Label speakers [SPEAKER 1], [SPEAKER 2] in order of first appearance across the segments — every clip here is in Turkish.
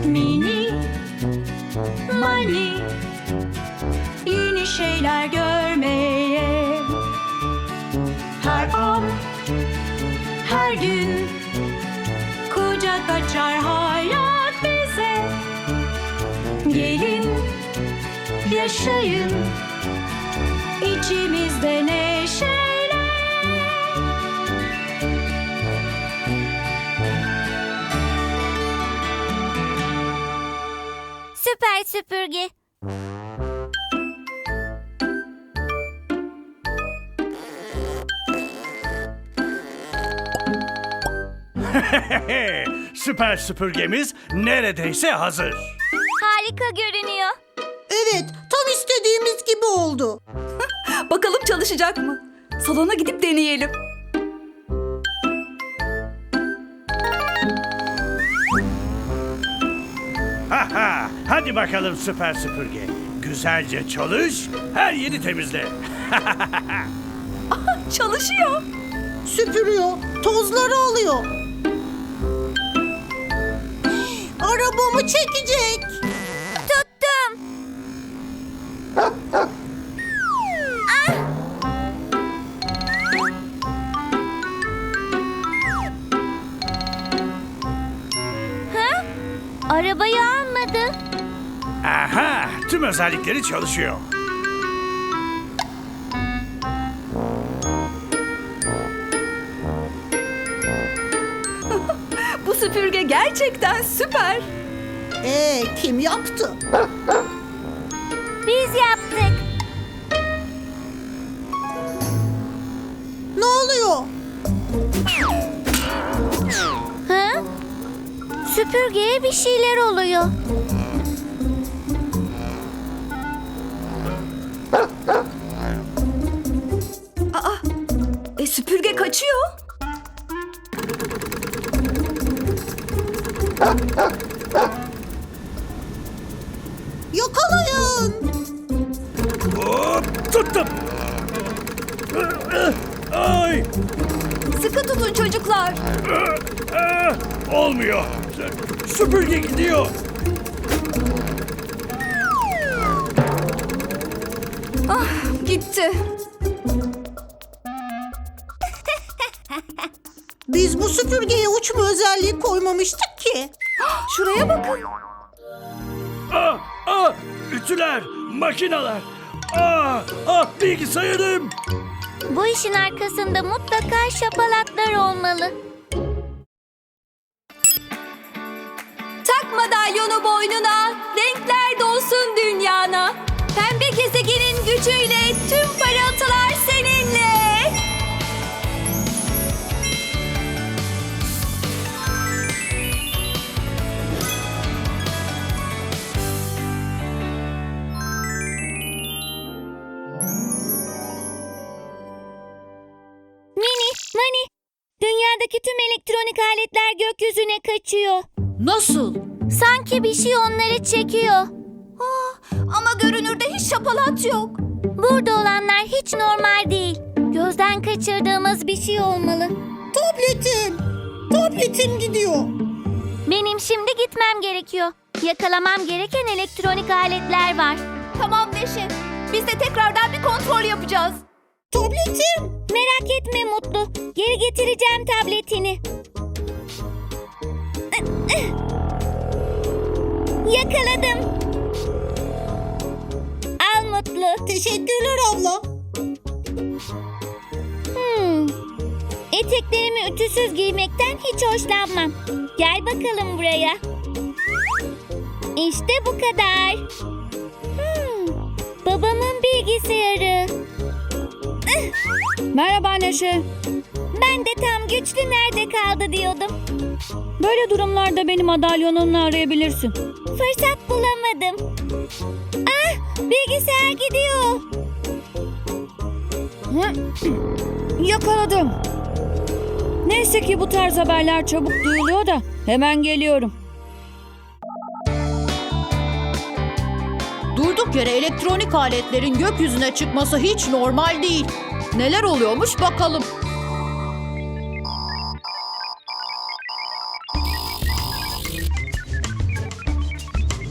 [SPEAKER 1] Mini Mani, yeni şeyler görmeye. Her an, her gün kucak açar hayat bize. Gelin, yaşayın içimizde neşeyle.
[SPEAKER 2] Süper süpürge.
[SPEAKER 3] Süper süpürgemiz neredeyse hazır.
[SPEAKER 2] Harika görünüyor.
[SPEAKER 4] Evet, tam istediğimiz gibi oldu.
[SPEAKER 5] Bakalım çalışacak mı? Salona gidip deneyelim.
[SPEAKER 3] Hadi bakalım süper süpürge. Güzelce çalış, her yeri temizle.
[SPEAKER 5] Çalışıyor.
[SPEAKER 4] Süpürüyor, tozları alıyor. Arabamı çekecek.
[SPEAKER 2] Tuttum. Ha? Arabayı almadı.
[SPEAKER 3] Aha, tüm özellikleri çalışıyor.
[SPEAKER 5] Bu süpürge gerçekten süper.
[SPEAKER 4] Kim yaptı?
[SPEAKER 2] Biz yaptık.
[SPEAKER 4] Ne oluyor?
[SPEAKER 2] Ha? Süpürgeye bir şeyler oluyor.
[SPEAKER 5] Süpürge kaçıyor.
[SPEAKER 4] Yakalayın.
[SPEAKER 3] Hop, tuttum. Ay,
[SPEAKER 5] Sıkı tutun çocuklar.
[SPEAKER 3] olmuyor. Süpürge gidiyor.
[SPEAKER 5] Gitti.
[SPEAKER 4] Biz bu süpürgeye uçma özelliği koymamıştık ki.
[SPEAKER 5] Şuraya bakın.
[SPEAKER 3] Ütüler, makineler. Bilgisayarım.
[SPEAKER 2] Bu işin arkasında mutlaka şapalatlar olmalı.
[SPEAKER 5] Tak madalyonu boynuna, renkler dolsun dünyana. Pembe gezegenin gücüyle tüm parıltılar seninle.
[SPEAKER 2] Mini, Mani, dünyadaki tüm elektronik aletler gökyüzüne kaçıyor.
[SPEAKER 5] Nasıl?
[SPEAKER 2] Sanki bir şey onları çekiyor.
[SPEAKER 5] Ama görünürde hiç şapalat yok.
[SPEAKER 2] Burada olanlar hiç normal değil. Gözden kaçırdığımız bir şey olmalı.
[SPEAKER 4] Tabletim gidiyor.
[SPEAKER 2] Benim şimdi gitmem gerekiyor. Yakalamam gereken elektronik aletler var.
[SPEAKER 5] Tamam Neşe. Biz de tekrardan bir kontrol yapacağız.
[SPEAKER 4] Tabletim.
[SPEAKER 2] Merak etme Mutlu. Geri getireceğim tabletini. Yakaladım. Al Mutlu.
[SPEAKER 4] Teşekkürler abla.
[SPEAKER 2] Eteklerimi ütüsüz giymekten hiç hoşlanmam. Gel bakalım buraya. İşte bu kadar. Babamın bilgisayarı.
[SPEAKER 5] Merhaba Neşe.
[SPEAKER 2] Ben de tam güçlü nerede kaldı diyordum.
[SPEAKER 5] Böyle durumlarda beni madalyonunla arayabilirsin.
[SPEAKER 2] Fırsat bulamadım. Bilgisayar gidiyor.
[SPEAKER 5] Yakaladım. Neyse ki bu tarz haberler çabuk duyuluyor da hemen geliyorum.
[SPEAKER 6] Durduk yere elektronik aletlerin gökyüzüne çıkması hiç normal değil. Neler oluyormuş bakalım.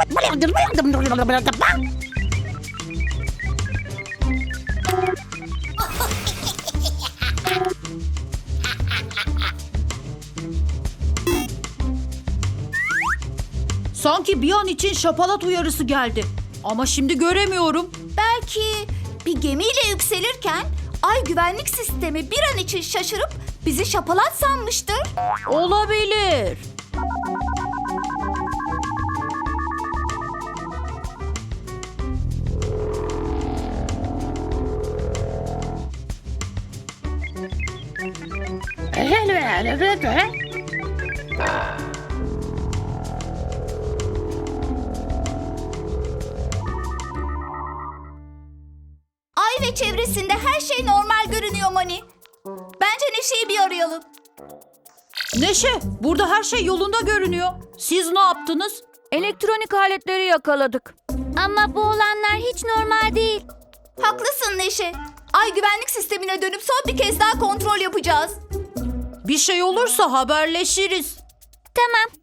[SPEAKER 6] Sanki bir an için şapalat uyarısı geldi. Ama şimdi göremiyorum.
[SPEAKER 7] Belki bir gemiyle yükselirken ay güvenlik sistemi bir an için şaşırıp bizi şapalat sanmıştır.
[SPEAKER 6] Olabilir.
[SPEAKER 7] Ay ve çevresinde her şey normal görünüyor Mani. Bence Neşe'yi bir arayalım.
[SPEAKER 6] Neşe, burada her şey yolunda görünüyor. Siz ne yaptınız?
[SPEAKER 5] Elektronik aletleri yakaladık.
[SPEAKER 2] Ama bu olanlar hiç normal değil.
[SPEAKER 7] Haklısın Neşe. Ay güvenlik sistemine dönüp son bir kez daha kontrol yapacağız.
[SPEAKER 6] Bir şey olursa haberleşiriz.
[SPEAKER 2] Tamam.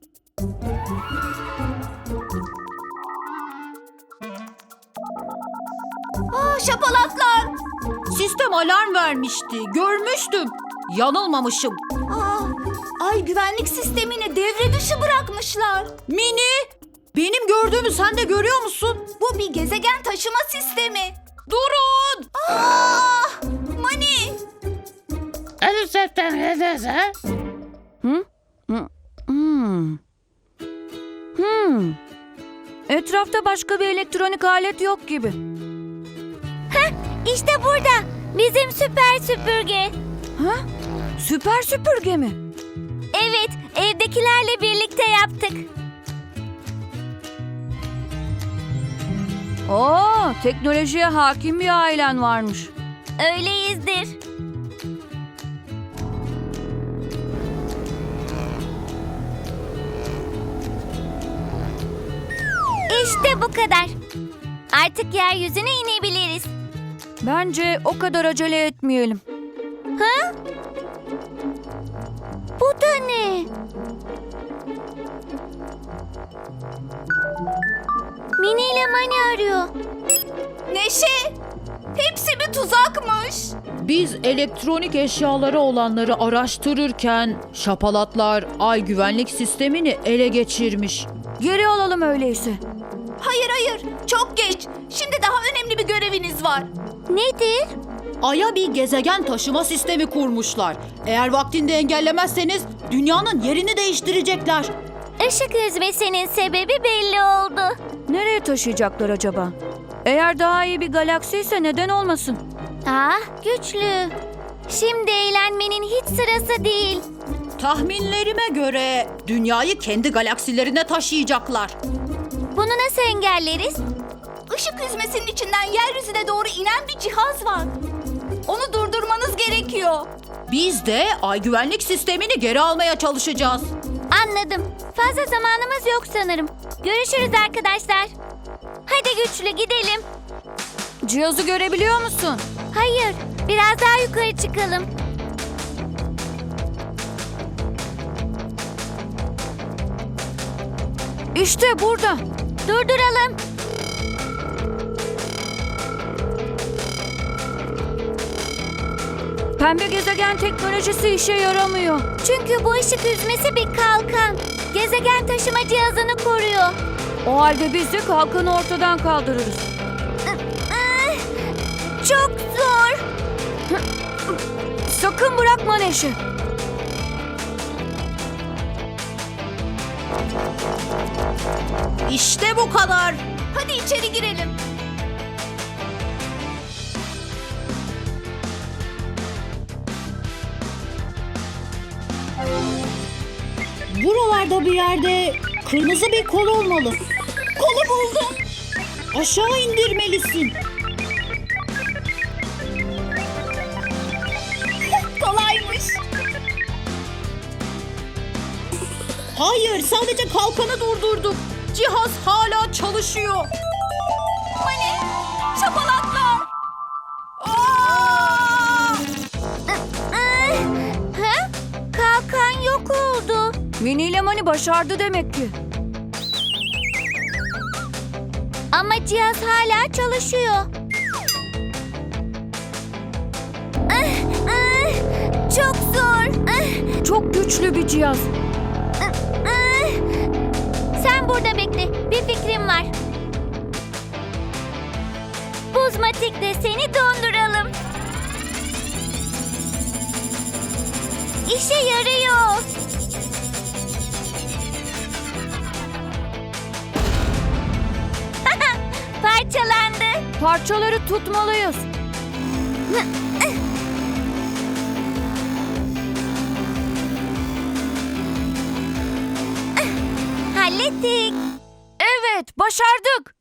[SPEAKER 7] Şapalatlar.
[SPEAKER 6] Sistem alarm vermişti. Görmüştüm. Yanılmamışım.
[SPEAKER 7] Ay güvenlik sistemini devre dışı bırakmışlar.
[SPEAKER 6] Mini, benim gördüğümü sen de görüyor musun?
[SPEAKER 7] Bu bir gezegen taşıma sistemi.
[SPEAKER 6] Durun!
[SPEAKER 7] Mani.
[SPEAKER 5] Etrafta başka bir elektronik alet yok gibi.
[SPEAKER 2] İşte burada. Bizim süper süpürge.
[SPEAKER 5] Ha? Süper süpürge mi?
[SPEAKER 2] Evet, evdekilerle birlikte yaptık.
[SPEAKER 5] Oo, teknolojiye hakim bir ailen varmış.
[SPEAKER 2] Öyleyizdir. İşte bu kadar. Artık yeryüzüne inebiliriz.
[SPEAKER 5] Bence o kadar acele etmeyelim.
[SPEAKER 2] Ha? Bu da ne? Mini ile Mani arıyor.
[SPEAKER 7] Neşe. Hepsi bir tuzakmış.
[SPEAKER 6] Biz elektronik eşyaları olanları araştırırken şapalatlar ay güvenlik sistemini ele geçirmiş.
[SPEAKER 5] Geri alalım öyleyse.
[SPEAKER 7] Hayır. Çok geç. Şimdi daha önemli bir göreviniz var.
[SPEAKER 2] Nedir?
[SPEAKER 6] Ay'a bir gezegen taşıma sistemi kurmuşlar. Eğer vaktinde engellemezseniz dünyanın yerini değiştirecekler.
[SPEAKER 2] Işık hüzmesinin sebebi belli oldu.
[SPEAKER 5] Nereye taşıyacaklar acaba? Eğer daha iyi bir galaksi ise neden olmasın?
[SPEAKER 2] Ah, güçlü. Şimdi eğlenmenin hiç sırası değil.
[SPEAKER 6] Tahminlerime göre dünyayı kendi galaksilerine taşıyacaklar.
[SPEAKER 2] Bunu nasıl engelleriz?
[SPEAKER 7] Işık hüzmesinin içinden yeryüzüne doğru inen bir cihaz var. Onu durdurmanız gerekiyor.
[SPEAKER 6] Biz de ay güvenlik sistemini geri almaya çalışacağız.
[SPEAKER 2] Anladım. Fazla zamanımız yok sanırım. Görüşürüz arkadaşlar. Hadi güçlü gidelim.
[SPEAKER 5] Cihazı görebiliyor musun?
[SPEAKER 2] Hayır, biraz daha yukarı çıkalım.
[SPEAKER 5] İşte burada.
[SPEAKER 2] Durduralım.
[SPEAKER 5] Pembe gezegen teknolojisi işe yaramıyor.
[SPEAKER 2] Çünkü bu ışık hüzmesi bir kalkan. Gezegen taşıma cihazını koruyor.
[SPEAKER 5] O halde biz de kalkanı ortadan kaldırırız.
[SPEAKER 2] Çok zor.
[SPEAKER 5] Sakın bırakma Neşe.
[SPEAKER 6] İşte bu kadar.
[SPEAKER 7] Hadi içeri girelim.
[SPEAKER 6] Buralarda bir yerde kırmızı bir kol olmalı. Kolu buldum. Aşağı indirmelisin.
[SPEAKER 7] Kolaymış.
[SPEAKER 6] Hayır, sadece kalkanı durdurdum. Cihaz hala çalışıyor.
[SPEAKER 7] Mani. Şapalatlar.
[SPEAKER 2] Ha? Kalkan yok oldu.
[SPEAKER 5] Mini ile Mani başardı demek ki.
[SPEAKER 2] Ama cihaz hala çalışıyor. Çok zor.
[SPEAKER 5] Çok güçlü bir cihaz.
[SPEAKER 2] Sen burada bekle. Bir fikrim var. Buzmatik'le seni donduralım. İşe yarıyor. Parçalandı.
[SPEAKER 5] Parçaları tutmalıyız.
[SPEAKER 2] Hallettik.
[SPEAKER 5] Evet, başardık.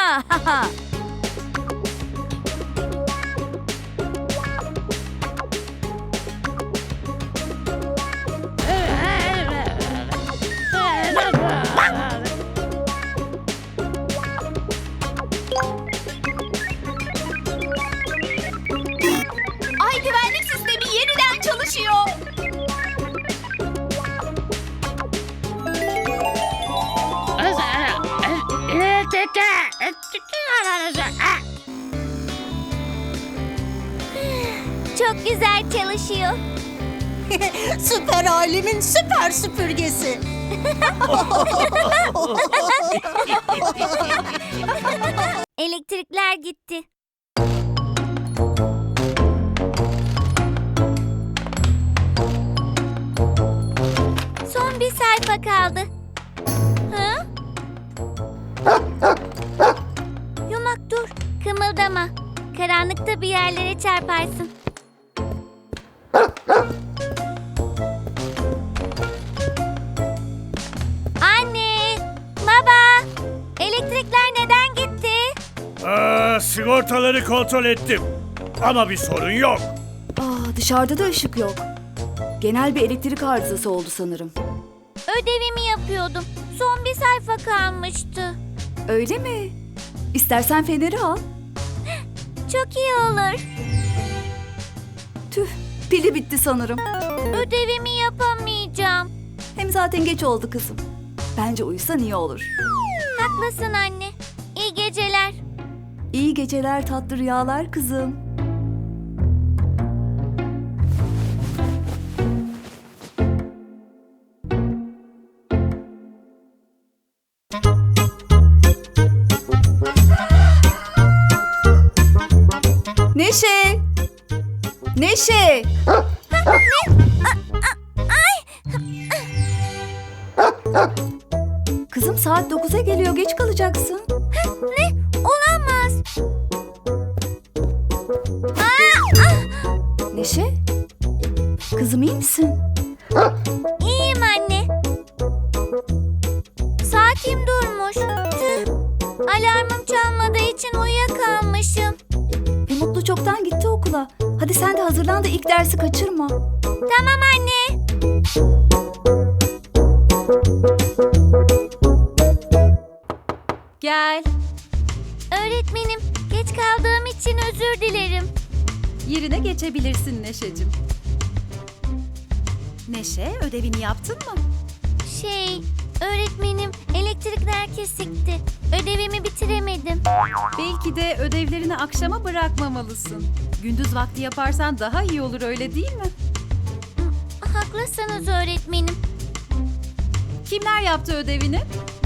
[SPEAKER 7] Ay güvenlik sistemi yeniden çalışıyor.
[SPEAKER 2] Çok güzel çalışıyor.
[SPEAKER 4] Süper alemin süper süpürgesi.
[SPEAKER 2] Elektrikler gitti. Son bir sayfa kaldı. Hı? Yumak dur, kımıldama. Karanlıkta bir yerlere çarparsın. Anne, baba, elektrikler neden gitti?
[SPEAKER 3] Sigortaları kontrol ettim. Ama bir sorun yok.
[SPEAKER 8] Dışarıda da ışık yok. Genel bir elektrik arızası oldu sanırım.
[SPEAKER 2] Ödevimi yapıyordum. Son bir sayfa kalmıştı.
[SPEAKER 8] Öyle mi? İstersen feneri al.
[SPEAKER 2] Çok iyi olur.
[SPEAKER 8] Tüh, pili bitti sanırım.
[SPEAKER 2] Ödevimi yapamayacağım.
[SPEAKER 8] Hem zaten geç oldu kızım. Bence uyusan iyi olur.
[SPEAKER 2] Haklısın anne. İyi geceler.
[SPEAKER 8] İyi geceler, tatlı rüyalar kızım. Neşe! Neşe! Kızım saat 9'a geliyor, geç kalacaksın.
[SPEAKER 2] Ne? Olamaz.
[SPEAKER 8] Neşe? Kızım iyi misin?
[SPEAKER 2] İyiyim anne. Saatim durmuş. Tüh. Alarmım çalmadığı için uyuyakalmışım.
[SPEAKER 8] Mutlu çoktan gitti okula. Hadi sen de hazırlan da ilk dersi kaçırma.
[SPEAKER 2] Tamam anne.
[SPEAKER 6] Gel.
[SPEAKER 2] Öğretmenim, geç kaldığım için özür dilerim.
[SPEAKER 6] Yerine geçebilirsin Neşe'cim. Neşe, ödevini yaptın mı?
[SPEAKER 2] Öğretmenim, elektrikler kesikti. Ödevimi bitiremedim.
[SPEAKER 6] Belki de ödevlerini akşama bırakmamalısın. Gündüz vakti yaparsan daha iyi olur, öyle değil mi?
[SPEAKER 2] Haklısınız öğretmenim.
[SPEAKER 6] Kimler yaptı ödevini?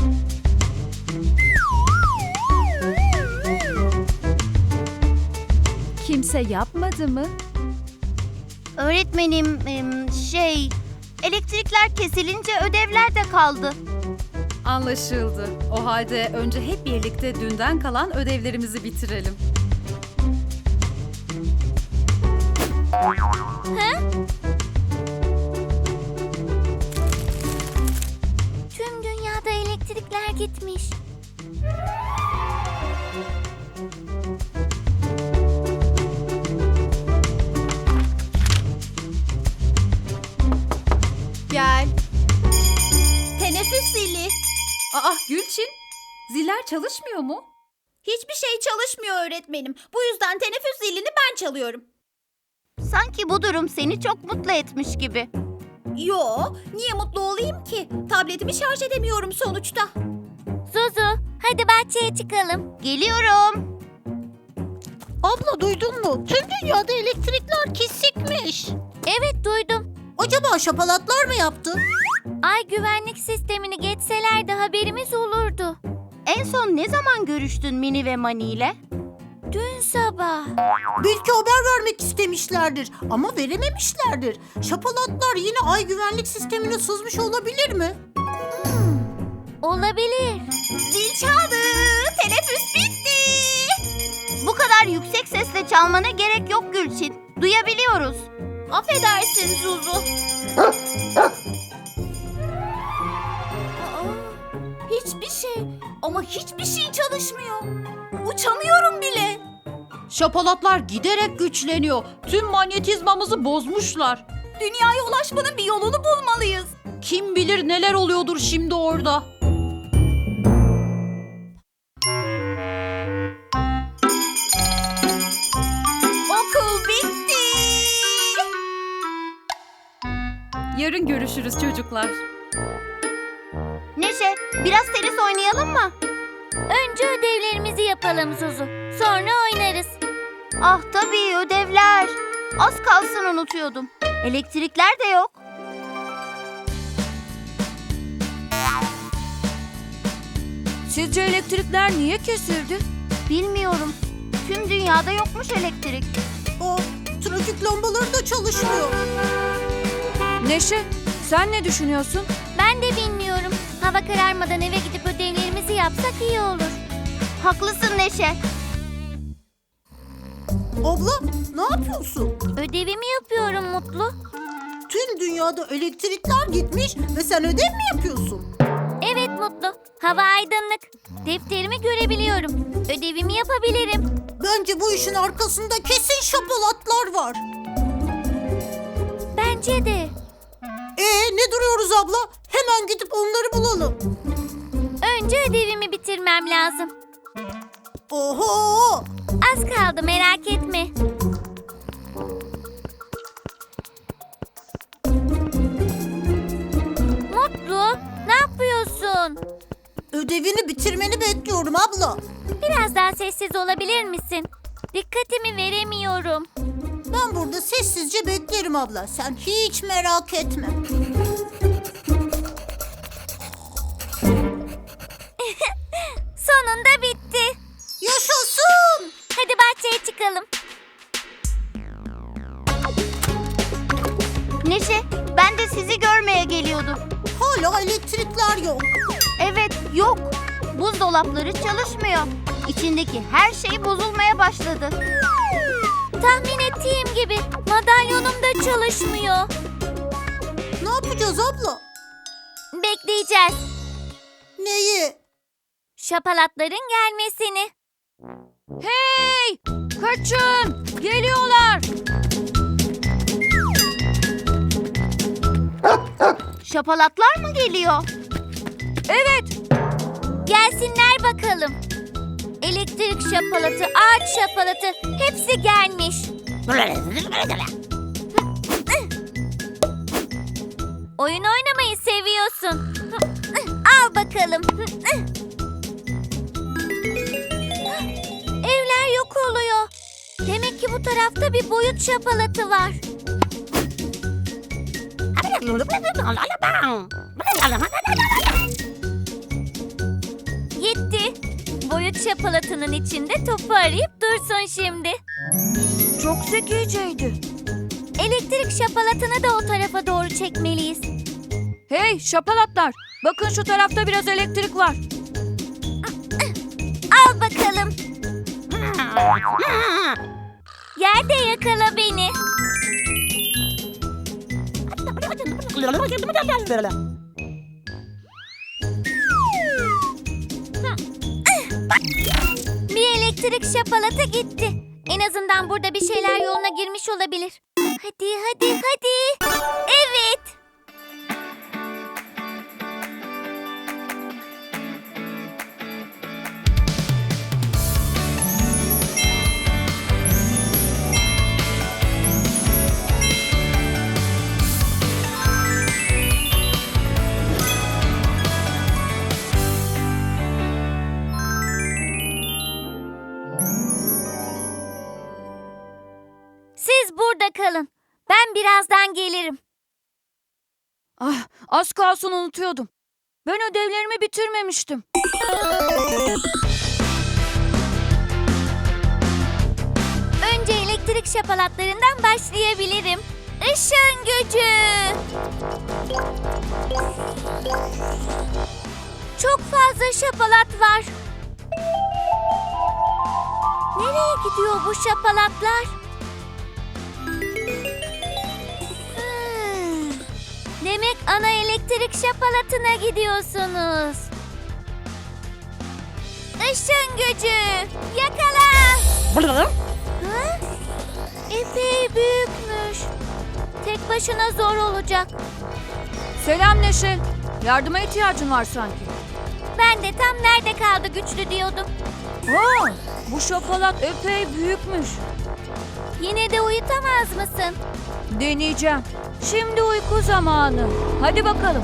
[SPEAKER 6] Kimse yapmadı mı?
[SPEAKER 2] Öğretmenim, elektrikler kesilince ödevler de kaldı.
[SPEAKER 6] Anlaşıldı. O halde önce hep birlikte dünden kalan ödevlerimizi bitirelim.
[SPEAKER 2] Tüm dünyada elektrikler gitmiş.
[SPEAKER 7] Gel. Teneffüs zili.
[SPEAKER 6] Aa Gülçin, ziller çalışmıyor mu?
[SPEAKER 7] Hiçbir şey çalışmıyor öğretmenim. Bu yüzden teneffüs zilini ben çalıyorum.
[SPEAKER 2] Sanki bu durum seni çok mutlu etmiş gibi.
[SPEAKER 7] Yo, niye mutlu olayım ki? Tabletimi şarj edemiyorum sonuçta.
[SPEAKER 2] Zuzu, Hadi bahçeye çıkalım. Geliyorum.
[SPEAKER 4] Abla duydun mu? Tüm dünyada elektrikler kesikmiş.
[SPEAKER 2] Evet duydum.
[SPEAKER 4] Acaba şapalatlar mı yaptı?
[SPEAKER 2] Ay güvenlik sistemini geçselerdi haberimiz olurdu.
[SPEAKER 7] En son ne zaman görüştün Mini ve Mani ile?
[SPEAKER 2] Dün sabah.
[SPEAKER 4] Belki haber vermek istemişlerdir ama verememişlerdir. Şapalatlar yine ay güvenlik sistemine sızmış olabilir mi?
[SPEAKER 2] Olabilir.
[SPEAKER 7] Zil çaldı. Teneffüs bitti. Bu kadar yüksek sesle çalmana gerek yok Gülçin. Duyabiliyoruz. Affedersin Zuzu. Hiçbir şey ama hiçbir şey çalışmıyor. Uçamıyorum bile.
[SPEAKER 6] Şapalatlar giderek güçleniyor. Tüm manyetizmamızı bozmuşlar.
[SPEAKER 7] Dünyaya ulaşmanın bir yolunu bulmalıyız.
[SPEAKER 6] Kim bilir neler oluyordur şimdi orada.
[SPEAKER 7] Okul bitti.
[SPEAKER 5] Yarın görüşürüz çocuklar.
[SPEAKER 7] Neşe, biraz tenis oynayalım mı?
[SPEAKER 2] Önce ödevlerimizi yapalım Zuzu. Sonra oynarız.
[SPEAKER 7] Ah tabii ödevler. Az kalsın unutuyordum. Elektrikler de yok.
[SPEAKER 5] Sizce elektrikler niye kesildi?
[SPEAKER 7] Bilmiyorum. Tüm dünyada yokmuş elektrik.
[SPEAKER 4] O trafik lambaları da çalışmıyor.
[SPEAKER 5] Neşe, sen ne düşünüyorsun?
[SPEAKER 2] Ben de bilmiyorum. Hava kararmadan eve gidip ödevlerimizi yapsak iyi olur.
[SPEAKER 7] Haklısın Neşe.
[SPEAKER 4] Abla ne yapıyorsun?
[SPEAKER 2] Ödevimi yapıyorum Mutlu.
[SPEAKER 4] Tüm dünyada elektrikler gitmiş ve sen ödev mi yapıyorsun?
[SPEAKER 2] Evet Mutlu. Hava aydınlık. Defterimi görebiliyorum. Ödevimi yapabilirim.
[SPEAKER 4] Bence bu işin arkasında kesin şapalatlar var.
[SPEAKER 2] Bence de.
[SPEAKER 4] Ne duruyoruz abla? Hemen gidip onları bulalım.
[SPEAKER 2] Önce ödevimi bitirmem lazım.
[SPEAKER 4] Oho!
[SPEAKER 2] Az kaldı merak etme. Mutlu, ne yapıyorsun?
[SPEAKER 4] Ödevini bitirmeni bekliyorum abla.
[SPEAKER 2] Biraz daha sessiz olabilir misin? Dikkatimi veremiyorum.
[SPEAKER 4] Ben burada sessizce beklerim abla. Sen hiç merak etme.
[SPEAKER 2] Sonunda bitti.
[SPEAKER 4] Yaşasın!
[SPEAKER 2] Hadi bahçeye çıkalım.
[SPEAKER 7] Neşe, ben de sizi görmeye geliyordum.
[SPEAKER 4] Hala elektrikler yok.
[SPEAKER 7] Evet, yok. Buzdolapları çalışmıyor. İçindeki her şey bozulmaya başladı.
[SPEAKER 2] Tahmin ettiğim gibi madalyonum da çalışmıyor.
[SPEAKER 4] Ne yapacağız abla?
[SPEAKER 2] Bekleyeceğiz.
[SPEAKER 4] Neyi?
[SPEAKER 2] Şapalatların gelmesini.
[SPEAKER 5] Hey! Kaçın! Geliyorlar!
[SPEAKER 7] Şapalatlar mı geliyor?
[SPEAKER 5] Evet!
[SPEAKER 2] Gelsinler bakalım. Elektrik şapalatı, ağaç şapalatı hepsi gelmiş. Oyun oynamayı seviyorsun. Al bakalım. Evler yok oluyor. Demek ki bu tarafta bir boyut şapalatı var. Gitti. Boyut şapalatının içinde topu arayıp dursun şimdi.
[SPEAKER 5] Çok zekiceydi.
[SPEAKER 2] Elektrik şapalatını da o tarafa doğru çekmeliyiz.
[SPEAKER 5] Hey şapalatlar! Bakın şu tarafta biraz elektrik var.
[SPEAKER 2] Al bakalım. Yerde yakala beni. Bir elektrik şapalatı gitti. En azından burada bir şeyler yoluna girmiş olabilir. Hadi hadi hadi. Evet. Birazdan gelirim.
[SPEAKER 5] Ah, az kalsın unutuyordum. Ben ödevlerimi bitirmemiştim.
[SPEAKER 2] Önce elektrik şapalatlarından başlayabilirim. Işın gücü. Çok fazla şapalat var. Nereye gidiyor bu şapalatlar? Demek ana elektrik şapalatına gidiyorsunuz. Işın gücü. Yakala. Ha? Epey büyükmüş. Tek başına zor olacak.
[SPEAKER 5] Selam Neşe. Yardıma ihtiyacın var sanki.
[SPEAKER 2] Ben de tam nerede kaldı güçlü diyordum.
[SPEAKER 5] Aa, bu şapalat epey büyükmüş.
[SPEAKER 2] Yine de uyutamaz mısın?
[SPEAKER 5] Deneyeceğim. Şimdi uyku zamanı. Hadi bakalım.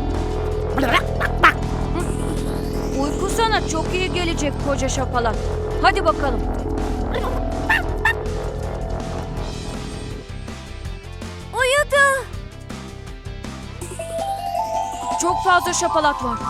[SPEAKER 5] Uyku sana çok iyi gelecek koca şapalat. Hadi bakalım.
[SPEAKER 2] Uyudu.
[SPEAKER 5] Çok fazla şapalat var.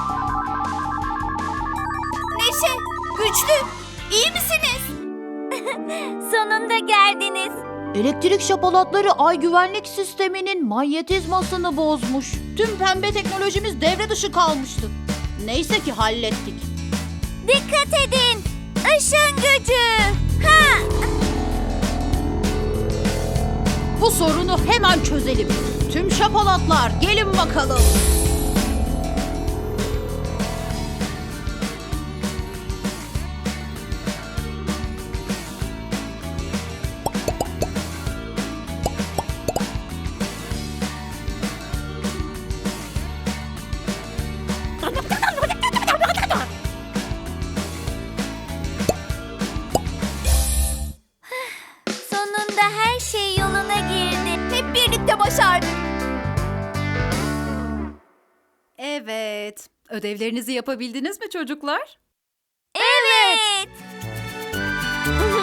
[SPEAKER 7] Neşe, Güçlü, iyi misiniz?
[SPEAKER 2] Sonunda geldiniz.
[SPEAKER 6] Elektrik şapalatları ay güvenlik sisteminin manyetizmasını bozmuş. Tüm pembe teknolojimiz devre dışı kalmıştı. Neyse ki hallettik.
[SPEAKER 2] Dikkat edin. Işın gücü. Ha!
[SPEAKER 6] Bu sorunu hemen çözelim. Tüm şapalatlar gelin bakalım.
[SPEAKER 2] Sonunda her şey yoluna girdi.
[SPEAKER 7] Hep birlikte başardık.
[SPEAKER 9] Evet. Ödevlerinizi yapabildiniz mi çocuklar?
[SPEAKER 2] Evet.